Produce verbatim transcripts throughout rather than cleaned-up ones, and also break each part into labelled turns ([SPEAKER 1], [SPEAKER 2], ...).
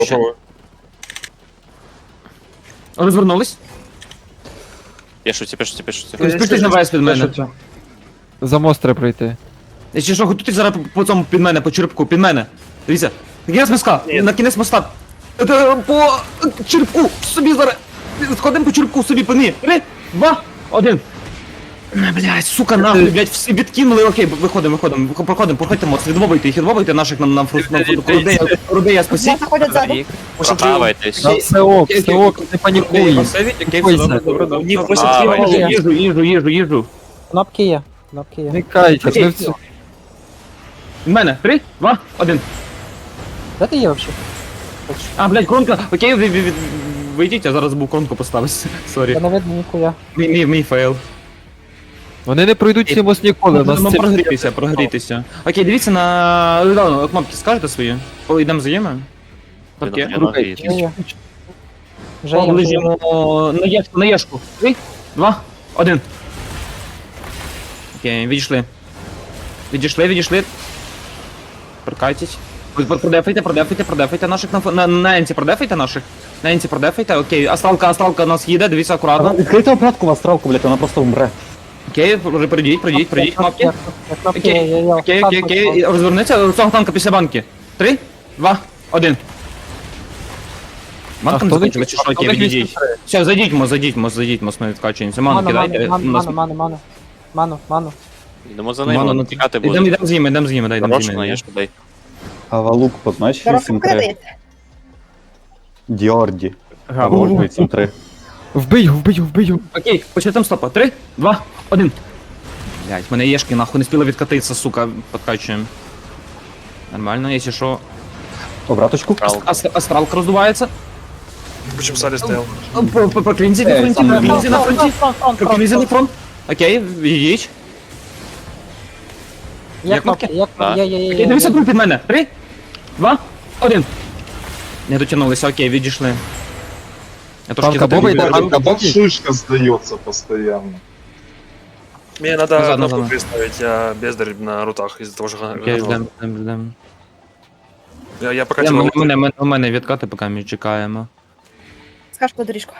[SPEAKER 1] Попробуй.
[SPEAKER 2] Розвернулись.
[SPEAKER 1] Пішуться, пішуться, пішуться.
[SPEAKER 2] Спустись на вес під мене.
[SPEAKER 3] За мост треба пройти.
[SPEAKER 2] Якщо що, готуйтесь зараз по- по цьому під мене, по черепку, під мене. Дивіться. На кінець моста, на кінець моста. Е, По черепку, собі зараз. Сходимо по черепку, собі по ній. Три, два, один. Е, Блядь, сука, нахуй, блядь, всі відкинули, окей, виходимо, виходимо, вихо- проходимо, проходьте мост, відвобуйте їх, відвобуйте наших нам, нам фрус, нам Рудея, Рудея спасіть.
[SPEAKER 4] Заходять ззаду.
[SPEAKER 1] Прохавайтесь.
[SPEAKER 3] Та все ок, все ок, не панікуй.
[SPEAKER 2] Ні,
[SPEAKER 1] Давай.
[SPEAKER 2] їжу, їжу, їжу, їжу.
[SPEAKER 4] Кнопки є. Кнопки є.
[SPEAKER 3] Не кайтесь,
[SPEAKER 2] Окей.
[SPEAKER 3] ми в цю...
[SPEAKER 2] В мене, три, два, один.
[SPEAKER 4] Де ти є взагалі?
[SPEAKER 2] А, блядь, кронка, окей, ви, ви, ви, вийдіть, я зараз був кронку поставити, сорі.
[SPEAKER 4] Я не видно ніхуя.
[SPEAKER 2] Мій, мій, мій фейл.
[SPEAKER 3] Вони не пройдуть цей мост ніколи, у нас
[SPEAKER 2] Ну,
[SPEAKER 3] це...
[SPEAKER 2] прогрітися, прогрітися. Окей, дивіться на... Ладно, кнопки скажете свої? Коли йдемо взаємно? Кнопки.
[SPEAKER 1] Я нагрію.
[SPEAKER 4] Є, є. Вже є, вже є.
[SPEAKER 2] Лежимо на єшку, на єшку. Три, два, один. Окей, відійшли. Відійшли, відійшли. Прикайтесь. Продефайте, продефайте, продефайте наших на, фо- на, на енці, продефайте наших. На енці продефайте, окей. Астралка, астралка у нас їде, дивіться акуратно.
[SPEAKER 5] Відкрийте обратку в астралку, блядь, вона просто умре.
[SPEAKER 2] Окей, пройдіть, пройдіть, пройдіть кнопки.
[SPEAKER 4] Є, Кнопки є, є, є.
[SPEAKER 2] Окей, окей, окей, розвернеться до цього танка після банки. Три, два, один. Банка не
[SPEAKER 3] хто
[SPEAKER 2] закінчила,
[SPEAKER 3] не-
[SPEAKER 2] чи що,
[SPEAKER 3] а
[SPEAKER 2] окей,
[SPEAKER 3] хто не
[SPEAKER 2] відійдіть.
[SPEAKER 3] вісім-три?
[SPEAKER 2] Все, зайдіть, мо, зайдіть, мо, зайдіть, мо, ми відкачуємося. Ману
[SPEAKER 4] Ману,
[SPEAKER 2] кидайте.
[SPEAKER 4] ману,
[SPEAKER 2] у нас-
[SPEAKER 4] ману, ману, ману. Ману, ману.
[SPEAKER 1] Йдемо за
[SPEAKER 2] Ману,
[SPEAKER 1] ними,
[SPEAKER 2] ну,
[SPEAKER 1] тікати
[SPEAKER 2] Ідемо,
[SPEAKER 1] будуть.
[SPEAKER 2] ідемо з ними, ідемо з ними, дай, ідемо з
[SPEAKER 1] Хорошно,
[SPEAKER 2] ними.
[SPEAKER 1] є ж дай.
[SPEAKER 5] Гавалук, познач
[SPEAKER 4] Зараз
[SPEAKER 5] вісім три.
[SPEAKER 4] покриється.
[SPEAKER 5] Діорді. Гавалук вісім три.
[SPEAKER 3] Вбий його, вбий його, вбий його.
[SPEAKER 2] Окей, почнемо стопа. Три, два, один. Блять, мене єшки нахуй не спіла відкатитися, сука, подкачуємо. Нормально, якщо що.
[SPEAKER 5] Обраточку.
[SPEAKER 1] Прав.
[SPEAKER 2] Ас- Астралка роздувається.
[SPEAKER 6] Почему в сале стоял?
[SPEAKER 2] По- по- По клінзі на фронті, по клінзі на фронті. По клінзі на фронт. Окей, відійдіть.
[SPEAKER 4] Є
[SPEAKER 2] Є
[SPEAKER 4] кнопки,
[SPEAKER 2] кнопки?
[SPEAKER 4] є кнопки, є, є, є.
[SPEAKER 2] Окей,
[SPEAKER 4] є,
[SPEAKER 2] дивіться
[SPEAKER 4] є.
[SPEAKER 2] тут під мене. Три, два, один. Не дотягнулися, окей, відійшли. Я трошки
[SPEAKER 3] Танка Боба йде,
[SPEAKER 2] затягнув.
[SPEAKER 3] танка Боба.
[SPEAKER 7] Шишка сдается постоянно.
[SPEAKER 6] Мне надо
[SPEAKER 2] Назад,
[SPEAKER 6] кнопку
[SPEAKER 2] назад.
[SPEAKER 6] приставить, я бездарь на рутах из-за того, что га-
[SPEAKER 2] Окей,
[SPEAKER 6] говно.
[SPEAKER 2] ждем, ждем, ждем.
[SPEAKER 6] Я, я пока
[SPEAKER 2] У
[SPEAKER 6] тебя
[SPEAKER 2] мене, мене, мене, у мене відкати, поки ми чекаємо.
[SPEAKER 4] Скаж по доріжку.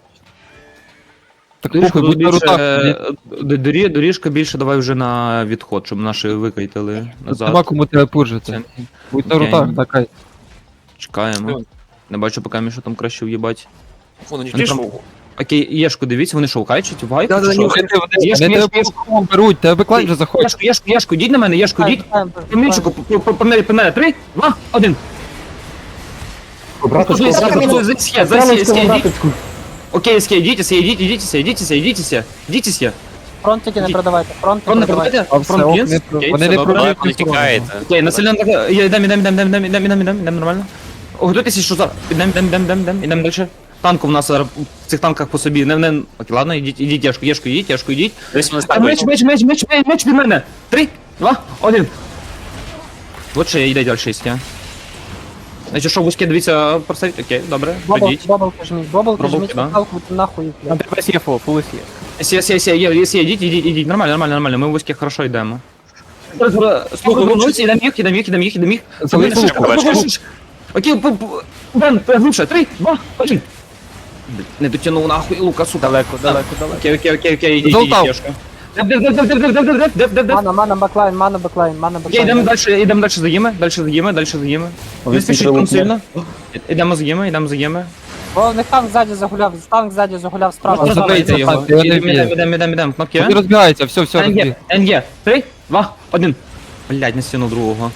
[SPEAKER 3] Так
[SPEAKER 2] Доріжка,
[SPEAKER 3] похуй, будь на
[SPEAKER 2] більше,
[SPEAKER 3] рутах.
[SPEAKER 2] е, дорі- доріжка більше давай вже на відход, щоб наші викайтили
[SPEAKER 3] Тут
[SPEAKER 2] назад.
[SPEAKER 3] нема кому тебе пуржити. Будь на
[SPEAKER 2] Окей.
[SPEAKER 3] рутах, так.
[SPEAKER 2] Чекаємо. Не бачу, поки ми що там краще в'їбать.
[SPEAKER 6] Вон, они
[SPEAKER 2] Вони
[SPEAKER 6] видишь,
[SPEAKER 2] прям- Окей, Єшку, дивіться, вони що, кайчать? Вайп?
[SPEAKER 3] Да,
[SPEAKER 2] чи
[SPEAKER 3] да,
[SPEAKER 2] що?
[SPEAKER 3] ні, вони
[SPEAKER 2] Єшку,
[SPEAKER 3] вони тебе
[SPEAKER 2] єшку,
[SPEAKER 3] по
[SPEAKER 2] єшку.
[SPEAKER 3] рукам беруть, тебе беклайн вже заходить.
[SPEAKER 2] Єшку, єшку, єшку, йдіть на мене, єшку, йдіть. По мільчику, по- по- по мене, по мене. Три, два, один.
[SPEAKER 5] Обраточку,
[SPEAKER 2] Зайдіть,
[SPEAKER 5] обраточку.
[SPEAKER 2] зайдіть, зайдіть,
[SPEAKER 5] Астралочку,
[SPEAKER 2] зайдіть.
[SPEAKER 5] обраточку.
[SPEAKER 2] Окей, СК, йдіть, СК, йдіть, йдіть, СК, йдіть, СК, йдіть, СК. Йдіть, СК.
[SPEAKER 4] Фронтики не продавайте, фронт не
[SPEAKER 2] Фронт не
[SPEAKER 4] продавайте.
[SPEAKER 2] продавайте?
[SPEAKER 3] А все,
[SPEAKER 2] Фронт
[SPEAKER 3] ок,
[SPEAKER 2] кінс?
[SPEAKER 3] не про-
[SPEAKER 2] Окей,
[SPEAKER 3] вони
[SPEAKER 2] все
[SPEAKER 3] не
[SPEAKER 2] добре.
[SPEAKER 3] продають.
[SPEAKER 1] Давай, не тікаєте.
[SPEAKER 2] Окей, населено, йдемо, йдемо, йдемо, йдемо, йдемо, йдемо, йдемо, йдемо, нормально. Готуйтеся, що зараз. Йдемо, йдемо, йдемо, йдемо, йдемо, йдемо далі. Танк у нас зараз в цих танках по собі. Не, не... Окей, ладно, ідіть, ідіть, Єшку, Єшку, ідіть, Єшку, ідіть.
[SPEAKER 1] Десь вони
[SPEAKER 2] А меч,
[SPEAKER 1] ставить.
[SPEAKER 2] меч, меч, меч, меч, меч від мене. Три, два, один. Вот ще йде далі шість, Значить, що вузьке, дивіться, проставіть, окей, добре,
[SPEAKER 4] Бобл,
[SPEAKER 2] ходіть.
[SPEAKER 4] бобл жміть, бобл
[SPEAKER 2] Бобл,
[SPEAKER 4] жміть,
[SPEAKER 2] да.
[SPEAKER 4] палку нахуй, блядь.
[SPEAKER 2] Сі, сі, сі, є, сі, ідіть, ідіть, ідіть, нормально, нормально, нормально, ми в вузьке хорошо йдемо. Слухай, вернуться, йдемо їх, йдемо їх, йдемо їх, йдемо їх.
[SPEAKER 3] Залиш
[SPEAKER 2] Шишка,
[SPEAKER 1] луку,
[SPEAKER 2] шишка,
[SPEAKER 1] бачиш?
[SPEAKER 2] шишка. Окей, п- п- Бен, глибше, три, два, один. Не дотягнув нахуй, лука, сука. Далеко, далеко, далеко. Окей, окей, окей, окей, ідіть, ідіть,
[SPEAKER 3] Золтав.
[SPEAKER 2] Єшка. Дев, дев, дев, дев, дев, дев, дев, дев, дев, дев, дев.
[SPEAKER 4] Мана, мана, баклайн, мана, баклайн, мана,
[SPEAKER 2] Окей, йдемо
[SPEAKER 4] баклайн.
[SPEAKER 2] далі, йдемо далі за їми, далі за їми, далі за їми. Не
[SPEAKER 5] Вісім
[SPEAKER 2] спішіть
[SPEAKER 5] три
[SPEAKER 2] там
[SPEAKER 5] лупне.
[SPEAKER 2] сильно. Йдемо за їми, йдемо за їми.
[SPEAKER 4] Бо в них танк ззаді загуляв, танк ззаді загуляв справа.
[SPEAKER 3] Просто
[SPEAKER 4] справа.
[SPEAKER 3] забийте
[SPEAKER 2] Забийте його.
[SPEAKER 3] танк, його не
[SPEAKER 2] Йдемо,
[SPEAKER 3] вб'є.
[SPEAKER 2] йдемо, йдемо, йдемо, кнопки.
[SPEAKER 3] Вони розбігаються, все, все, розбіг.
[SPEAKER 2] НГ, НГ. Три, два, один. Блядь, не стіну другого.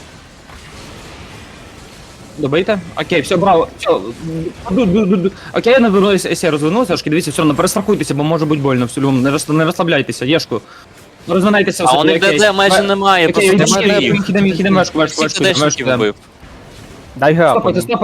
[SPEAKER 2] Добийте? Окей, все, браво. Все. Ду- ду- ду- ду. Окей, я навернуся, якщо я розвернуся, трошки дивіться, все одно перестрахуйтеся, бо може бути больно в цілому. Не, роз, не розслабляйте, Єшку. Розминайтеся.
[SPEAKER 1] А
[SPEAKER 2] все,
[SPEAKER 1] у них
[SPEAKER 2] окей.
[SPEAKER 1] ДД майже немає,
[SPEAKER 2] Окей,
[SPEAKER 1] просто
[SPEAKER 2] йдемо,
[SPEAKER 1] немає
[SPEAKER 2] йдемо,
[SPEAKER 1] їх.
[SPEAKER 2] йдемо, йдемо, вешку, вешку,
[SPEAKER 1] Всіх
[SPEAKER 2] вешку, вешку,
[SPEAKER 1] ДДшників
[SPEAKER 2] йдемо.
[SPEAKER 1] вбив.
[SPEAKER 2] Стопайте, стопайте.